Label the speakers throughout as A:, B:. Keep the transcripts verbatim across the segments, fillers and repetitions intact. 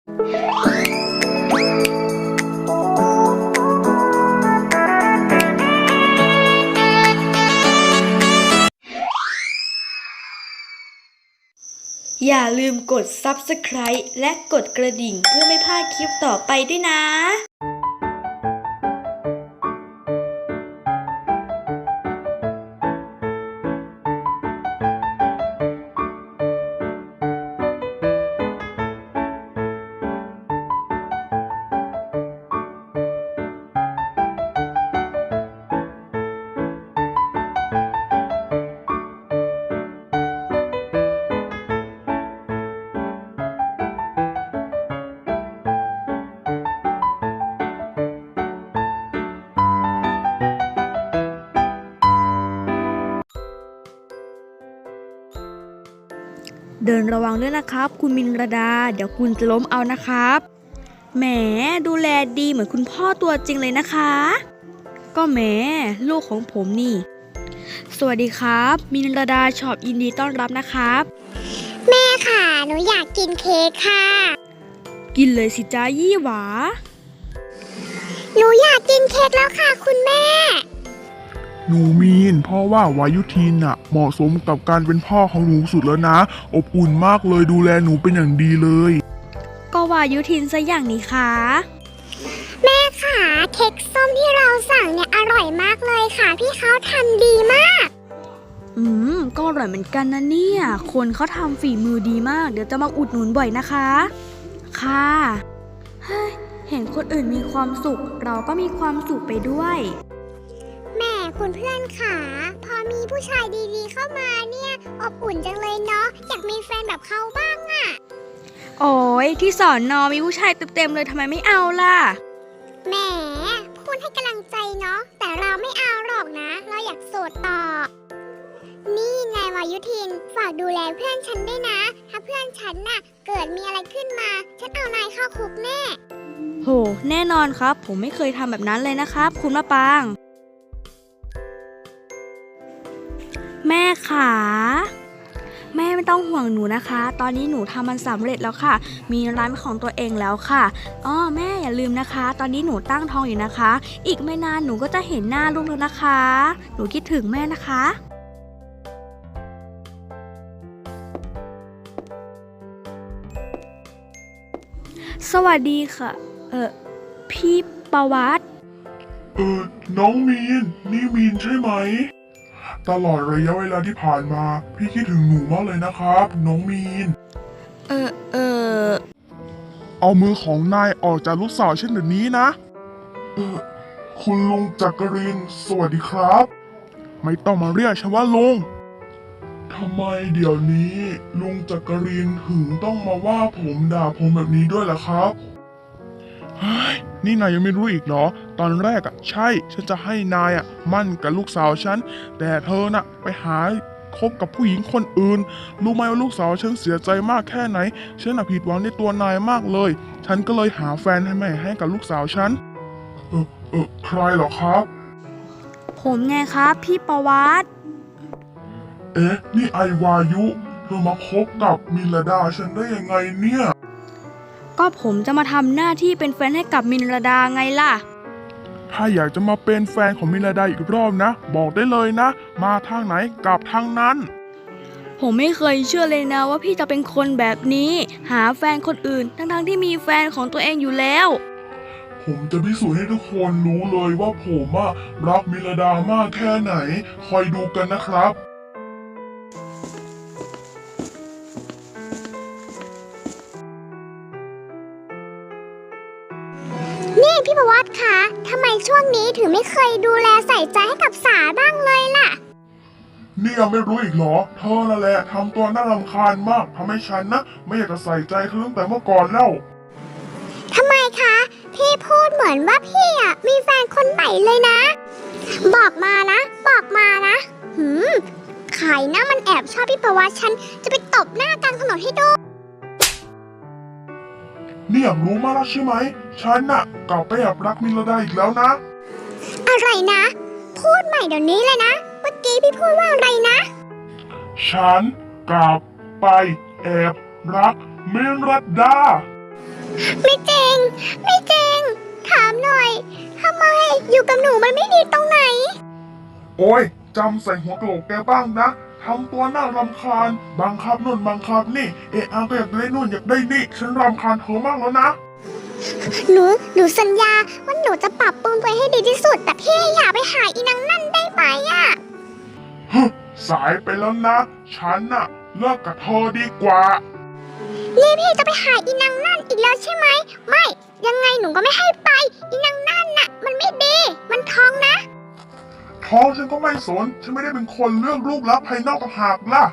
A: อย่าลืมกด ซับสไครบ์ และกดกระดิ่งเพื่อไม่พลาดคลิปต่อไปด้วยนะเดินระวังด้วยนะครับคุณมินรดาเดี๋ยวคุณจะล้มเอานะครับแหมดูแลดีเหมือนคุณพ่อตัวจริงเลยนะคะก็แหมลูกของผมนี่สวัสดีครับมินรดาช็อปยินดีต้อนรับนะครับ
B: แม่ค่ะหนูอยากกินเค้กค่ะ
A: กินเลยสิจ้ายี่หวา
B: หนูอยากกินเค้กแล้วค่ะคุณแม่
C: หนูมีนพ่อว่าวายุทินน่ะเหมาะสมกับการเป็นพ่อของหนูสุดแล้วนะอบอุ่นมากเลยดูแลหนูเป็นอย่างดีเลย
A: ก็วายุทินซะอย่างนี้ค่ะ
B: แม่ค่ะเค้กส้มที่เราสั่งเนี่ยอร่อยมากเลยค่ะพี่เขาทำดีมาก
A: อืมก็อร่อยเหมือนกันนะเนี่ยคนเขาทำฝีมือดีมากเดี๋ยวจะมาอุดหนุนบ่อยนะคะค่ะเฮ้ยเห็นคนอื่นมีความสุขเราก็มีความสุขไปด้วย
B: แม่คุณเพื่อนค่ะพอมีผู้ชายดีๆเข้ามาเนี่ยอบอุ่นจังเลยเนาะอยากมีแฟนแบบเขาบ้างอะ
A: โอ้ยที่สอนนอมีผู้ชายเต็มๆเลยทำไมไม่เอาล่ะ
B: แหมพูดให้กำลังใจเนาะแต่เราไม่เอาหรอกนะเราอยากโสดต่อนี่นายวายุทินฝากดูแลเพื่อนฉันด้วยนะถ้าเพื่อนฉันน่ะเกิดมีอะไรขึ้นมาฉันเอานายเข้าคุกแน่
A: โหแน่นอนครับผมไม่เคยทำแบบนั้นเลยนะครับคุณมะปางแม่ขาแม่ไม่ต้องห่วงหนูนะคะตอนนี้หนูทำมันสำเร็จแล้วค่ะมีร้านของตัวเองแล้วค่ะอ้อแม่อย่าลืมนะคะตอนนี้หนูตั้งท้องอยู่นะคะอีกไม่นานหนูก็จะเห็นหน้าลูกแล้วนะคะหนูคิดถึงแม่นะคะสวัสดีค่ะเออพี่ประวัติ
C: เออน้องมีนนี่มีนใช่ไหมตลอดระยะเวลาที่ผ่านมาพี่คิดถึงหนูมากเลยนะครับน้องมีน
A: เออเออ
C: เอามือของนายออกจากลูกสาวฉันเดี๋ยวนี้นะเออคุณลุงจักรินทร์สวัสดีครับไม่ต้องมาเรียกฉันว่าลุงทำไมเดี๋ยวนี้ลุงจักรินทร์ถึงต้องมาว่าผมด่าผมแบบนี้ด้วยล่ะครับเฮ้ยนี่นายยังไม่รู้อีกเหรอตอนแรกอ่ะใช่ฉันจะให้นายอ่ะมั่นกับลูกสาวฉันแต่เธอน่ะไปหาคบกับผู้หญิงคนอื่นรู้ไหมว่าลูกสาวฉันเสียใจมากแค่ไหนฉันน่ะผิดหวังในตัวนายมากเลยฉันก็เลยหาแฟนให้แม่ให้กับลูกสาวฉันเออเออใครเหรอครับ
A: ผมไงครับพี่ประวัติ
C: เอ๊ะนี่ไอวายุเธอมาคบกับมิลดาฉันได้ยังไงเนี่ย
A: ก็ผมจะมาทำหน้าที่เป็นแฟนให้กับมินรดาไงล่ะ
C: ถ้าอยากจะมาเป็นแฟนของมินรดาอีกรอบนะบอกได้เลยนะมาทางไหนกลับทางนั้น
A: ผมไม่เคยเชื่อเลยนะว่าพี่จะเป็นคนแบบนี้หาแฟนคนอื่นทั้งๆที่มีแฟนของตัวเองอยู่แล้ว
C: ผมจะพิสูจน์ให้ทุกคนรู้เลยว่าผมอะรักมิลดามากแค่ไหนคอยดูกันนะครับ
B: นี่พี่ประวัติคะทำไมช่วงนี้ถึงไม่เคยดูแลใส่ใจให้กับสาบ้างเลยล่ะ
C: นี่ยังไม่รู้อีกเหรอเธอนั่นแหละทำตัวน่ารำคาญมากทำให้ฉันนะไม่อยากจะใส่ใจเธอตั้งแต่เมื่อก่อนแล้ว
B: ทำไมคะพี่พูดเหมือนว่าพี่อ่ะมีแฟนคนใหม่เลยนะบอกมานะบอกมานะหืมใครนะมันแอบชอบพี่ประวัติฉันจะไปตบหน้ากลางถนนให้ดู
C: นี่อยากรู้มากแล้วใช่ไหมฉันน่ะกลับไปแอบรักมิลดาอีกแล้วนะ
B: อะไรนะพูดใหม่เดี๋ยวนี้เลยนะเมื่อกี้พี่พูดว่าอะไรนะ
C: ฉันกลับไปแอบรักมิลดา
B: ฮไม่จริง ถามหน่อยทำไมอยู่กับหนูมันไม่ดีตรงไหน
C: โอ้ยจำใส่หัวกะโหลกแกบ้างนะทำตัวน่ารำคาญบังคับนู่นบังคับนี่เอะอาก็อยากได้นู่นอยากได้นี่ฉันรำคาญเธอมากแล้วนะ
B: หนู หนูสัญญาว่าหนูจะปรับปรุงตัวให้ดีที่สุด แต่พี่อย่าไปหาอีนางนั่นได้ไหมอะ
C: ฮึสายไปแล้วนะ ฉันน่ะเลิกกับเธอดีกว่า
B: นี่พี่จะไปหาอีนางนั่นอีกแล้วใช่ไหม ไม่ ยังไงหนูก็ไม่ให้ไป อีนางนั่นน่ะ มันไม่ดี มันท้องนะ
C: ท้องฉันก็ไม่สน ฉันไม่ได้เป็นคนเลือกรูปลักษณ์ภายนอกต่างหากล่ะ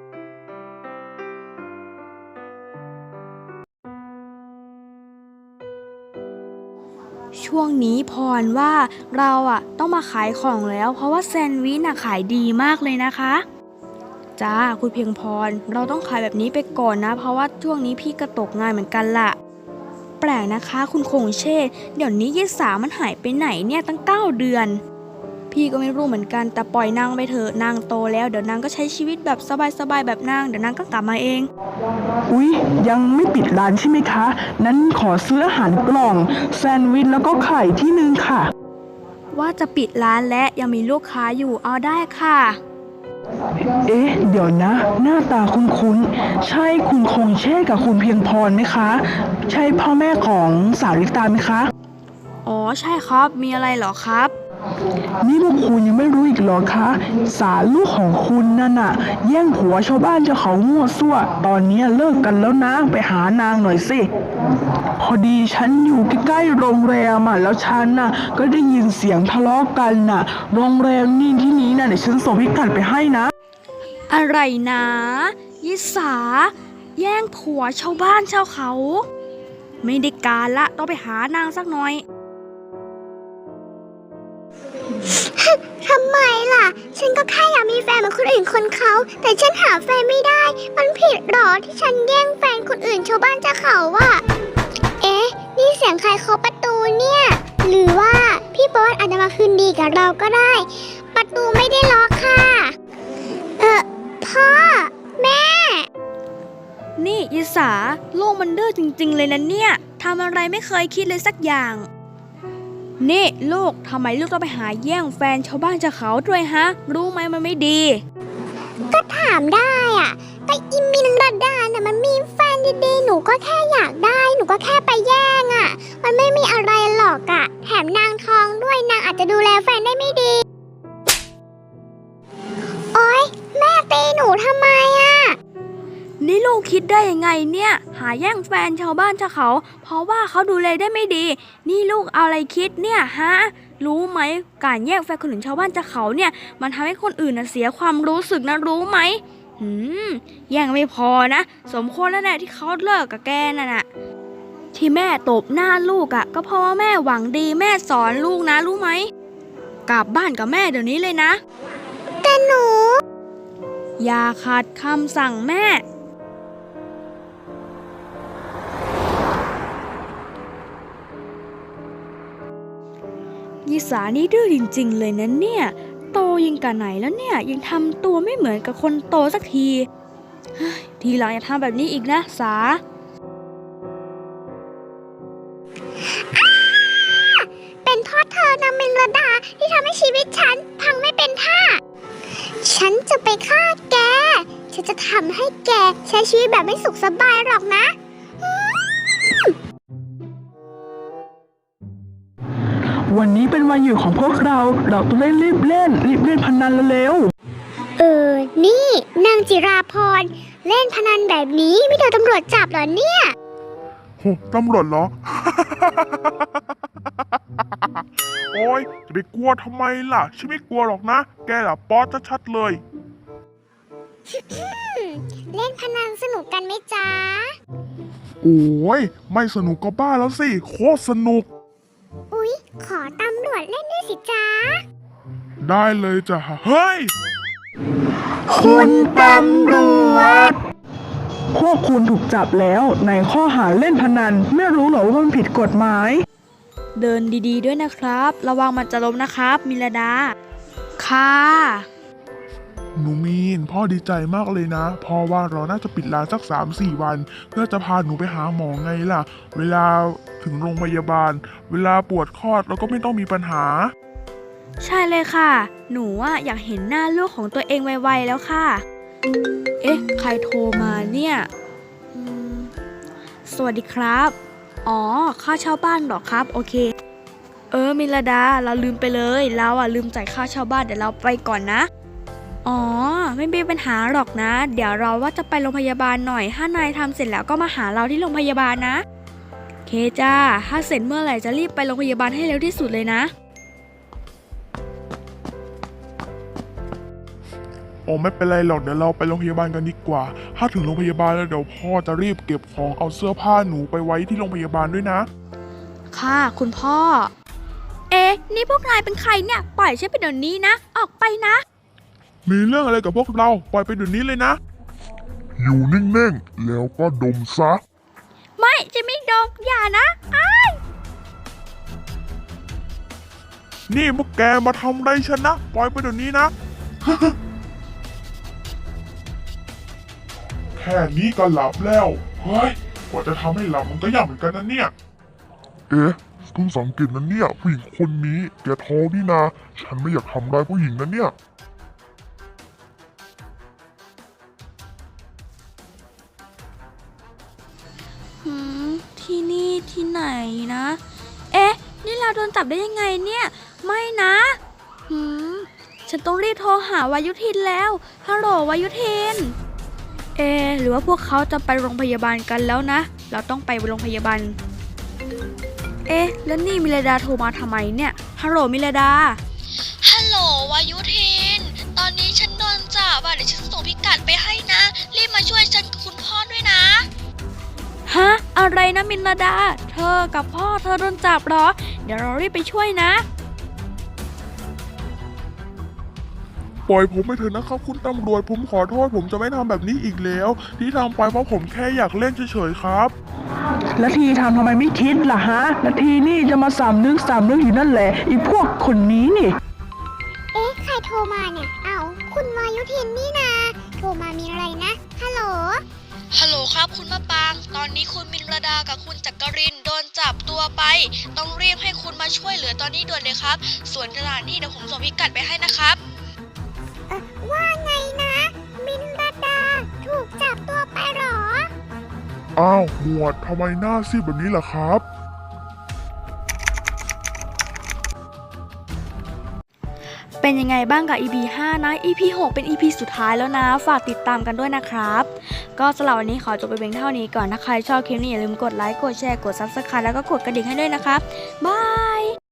A: ช่วงนี้พรว่าเราอ่ะต้องมาขายของแล้ว เพราะว่าแซนด์วิชน่ะขายดีมากเลยนะคะจ้าคุณเพียงพรเราต้องขายแบบนี้ไปก่อนนะ เพราะว่าช่วงนี้พี่ก็ตกงานเหมือนกันล่ะ แปลกนะคะคุณคงเชษฐ์เดี๋ยวนี้ยายสามันหายไปไหนเนี่ยตั้งเก้าเดือน พี่ก็ไม่รู้เหมือนกันแต่ปล่อยนางไปเถอะนางโตแล้วเดี๋ยวนางก็ใช้ชีวิตแบบสบายๆแบบนางเดี๋ยวนางก็กลับมาเอง
D: อุ๊ยยังไม่ปิดร้านใช่ไหมคะ นั้นขอซื้ออาหารกล่องแซนด์วิชแล้วก็ไข่ที่นึงค่ะ
A: ว่าจะปิดร้านและยังมีลูกค้าอยู่เอาได้ค่ะ
D: เอ๊ะ เดี๋ยวนะ หน้าตาคุ้นๆ ใช่คุณคงเช่กับคุณเพียงพรไหมคะ ใช่พ่อแม่ของสาริตาไหมคะ
A: อ๋อใช่ครับมีอะไรเหรอครับ
D: นี่พวกคุณยังไม่รู้อีกเหรอคะ สารลูกของคุณนั่นน่ะ แย่งผัวชาวบ้านเจ้าเขามั่วซั่ว ตอนนี้เลิกกันแล้วนะ ไปหานางหน่อยสิ พอดีฉันอยู่ใกล้ๆโรงแรมอ่ะ แล้วฉันน่ะก็ได้ยินเสียงทะเลาะกันน่ะ โรงแรมนี่ที่นี้น่ะเดี๋ยวฉันส่งพิกัดไปให้นะ
A: อะไรนะยิสาแย่งผัวชาวบ้านชาวเขา ไม่ได้การละต้องไปหานางสักหน่อย
B: ทำไมล่ะ ฉันก็แค่อยากมีแฟนเหมือนคนอื่นคนเขา แต่ฉันหาแฟนไม่ได้ มันผิดหรอที่ฉันแย่งแฟนคนอื่นชาวบ้านชาวเขาอะเอ๊ะ นี่เสียงใครเคาะประตูเนี่ย หรือว่าพี่บอสอาจจะมาคืนดีกับเราก็ได้ ประตูไม่ได้ล็อกค่ะ เออพ่อ แม่
A: นี่ยิสาโลกมันดื้อจริงๆเลยนะเนี่ยทำอะไรไม่เคยคิดเลยสักอย่าง นี่ลูกทำไมลูกต้องไปหาแย่งแฟนชาวบ้านชาวเขาด้วยฮะ รู้ไหมมันไม่ดี
B: ก็ถามได้อะแต่อิมินระดาน่ะมันมีแฟนดีๆ หนูก็แค่อยากได้ หนูก็แค่ไปแย่งอะมันไม่มีอะไรหรอกอะแถมนางทองด้วยนางอาจจะดูแลแฟนได้ไม่ดี โอ๊ย แม่ตีหนูทำไมอะ
A: นี่ลูกคิดได้ยังไงเนี่ย หาแย่งแฟนชาวบ้านชาวเขา เพราะว่าเขาดูแลได้ไม่ดี นี่ลูกเอาอะไรคิดเนี่ยฮะ รู้ไหมการแย่งแฟนคนอื่นชาวบ้านชาวเขาเนี่ย มันทำให้คนอื่นน่ะเสียความรู้สึกนะรู้ไหมหืมแย่งไม่พอนะ สมควรแล้วแหละที่เขาเลิกกับแกนั่นน่ะ ที่แม่ตบหน้าลูกอะ่ะ ก็เพราะว่าแม่หวังดีแม่สอนลูกนะรู้ไหม กลับบ้านกับแม่เดี๋ยวนี้เลยนะ
B: แต่หนู
A: อย่าขัดคำสั่งแม่ยิสานี่ดื้อจริงๆเลยนะเนี่ย โตยิงกับไหนแล้วเนี่ยยังทำตัวไม่เหมือนกับคนโตสักทีเฮ้ยทีหลังอย่าทำแบบนี้อีกนะสา
B: เป็นเพราะเธอนางมินระดาที่ทำให้ชีวิตฉันพังไม่เป็นท่า ฉันจะไปฆ่าแก ฉันจะทำให้แกใช้ชีวิตแบบไม่สุขสบายหรอกนะ
D: วันนี้เป็นวันหยุดของพวกเรา เราต้องเล่นรีบเล่น รีบเล่นพนันเร็ว
B: เออ นี่นางจิราพรเล่นพนันแบบนี้ไม่โดนตำรวจจับเหรอเนี่ย
C: โหตำรวจเหรอ โอ้ยจะไปกลัวทำไมล่ะ ฉันไม่กลัวหรอกนะ แกล่ะป๊อตชัดๆเลย
B: เล่นพนันสนุกกันไหมจ๊ะ
C: โอ้ยไม่สนุกก็บ้าแล้วสิ โคตรสนุก
B: อุ๊ย ขอตำรวจเล่นด้วยสิจ๊ะ
C: ได้เลยจ้ะ เฮ้ย
D: ๆ คุณตำรวจ พวกคุณถูกจับแล้วในข้อหาเล่นพนัน ไม่รู้เหรอว่ามันผิดกฎหมาย
A: เดินดีๆด้วยนะครับ ระวังมันจะล้มนะครับมิลดา ค่ะ
C: หนูมีนพ่อดีใจมากเลยนะพ่อว่าเราน่าจะปิดร้านสักสามสี่วัน เพื่อจะพาหนูไปหาหมอไงล่ะ เวลาถึงโรงพยาบาล เวลาปวดคลอดเราก็ไม่ต้องมีปัญหา
A: ใช่เลยค่ะ หนูอะอยากเห็นหน้าลูกของตัวเองไวๆแล้วค่ะ เอ๊ะ ใครโทรมาเนี่ยอืมสวัสดีครับ อ๋อ ค่าเช่าบ้านเหรอครับ โอเค เออ มิลดา เราลืมไปเลย เราอ่ะลืมจ่ายค่าเช่าบ้าน เดี๋ยวเราไปก่อนนะ อ๋อ ไม่มีปัญหาหรอกนะ เดี๋ยวเราว่าจะไปโรงพยาบาลหน่อย ถ้านายทำเสร็จแล้วก็มาหาเราที่โรงพยาบาลนะโอเคจ้า ถ้าเสร็จเมื่อไหร่จะรีบไปโรงพยาบาลให้เร็วที่สุดเลยนะ
C: โอ้ไม่เป็นไรหรอกเดี๋ยวเราไปโรงพยาบาลกันดีกว่า ถ้าถึงโรงพยาบาลแล้วเดี๋ยวพ่อจะรีบเก็บของเอาเสื้อผ้าหนูไปไว้ที่โรงพยาบาลด้วยนะ
A: ค่ะคุณพ่อ เอ๊ะ นี่พวกนายเป็นใครเนี่ย ปล่อยฉันไปเดี๋ยวนี้นะ ออกไปนะ
C: มีเรื่องอะไรกับพวกเราปล่อยไปเดี๋ยวนี้เลยนะ อยู่นิ่งๆแล้วก็ดมซะ
A: ไม่จะไม่ดมอย่านะอ้าย
C: นี่พวกแกมาทำอะไรฉันนะปล่อยไปเดี๋ยวนี้นะ แค่นี้ก็หลับแล้ว เฮ้ย กว่าจะทำให้หลับมันก็ยากเหมือนกันนะเนี่ย เอ๊ะเพิ่งสังเกตนะเนี่ยผู้หญิงคนนี้แกท้องนี่นา ฉันไม่อยากทำร้ายผู้หญิงนะเนี่ย
A: หืมที่นี่ที่ไหนนะ เอ๊ะ นี่เราโดนจับได้ยังไงเนี่ย ไม่นะหืมฉันต้องรีบโทรหาวายุทินแล้วฮัลโหลวายุทิน เอะหรือว่าพวกเขาจะไปโรงพยาบาลกันแล้วนะ เราต้องไปโรงพยาบาล เอ๊ะ แล้วนี่มิลดาโทรมาทำไมเนี่ย ฮัลโหลมิลดา
E: ฮัลโหลวายุทิน ตอนนี้ฉันโดนจับอ่ะเดี๋ยวฉันส่งพิกัดไปให้นะ รีบมาช่วยฉันกับคุณพ่อด้วยนะ
A: ฮะ อะไรนะมิลดา เธอกับพ่อเธอโดนจับเหรอ เดี๋ยวเรารีบไปช่วยนะ
C: ปล่อยผมไปเถอะนะครับคุณตำรวจผมขอโทษผมจะไม่ทำแบบนี้อีกแล้ว ที่ทำไปเพราะผมแค่อยากเล่นเฉยๆครับ
D: แล้วทีทำทำไมไม่คิดล่ะฮะ แล้วทีนี่จะมาสามนึกสามนึกอยู่นั่นแหละอีพวกคนนี้นี่
B: เอ๊ะ ใครโทรมาเนี่ย เอ้า คุณวายุทินนี่นา โทรมามีอะไรนะ ฮัลโหล
E: ฮัลโหลครับคุณมะปาง ตอนนี้คุณมินรดากับคุณจักรินโดนจับตัวไป ต้องรีบให้คุณมาช่วยเหลือตอนนี้ด่วนเลยครับ ส่วนสถานที่เดี๋ยวผมส่งพิกัดไปให้นะครับ
B: เอ่อว่าไงนะ มินรดา ถูกจับตัวไปเหรอ
C: อ้าวหมวดทำไมหน้าซีดแบบนี้ล่ะครับ
A: เป็นยังไงบ้างกับ อี พี ห้า นะ อี พี หก เป็น อี พี สุดท้ายแล้วนะ ฝากติดตามกันด้วยนะครับ ก็สำหรับวันนี้ขอจบไปเพียงเท่านี้ก่อน ถ้าใครชอบคลิปนี้อย่าลืมกดไลค์ กดแชร์ กด ซับสไครบ์ แล้วก็กดกระดิ่งให้ด้วยนะครับ บาย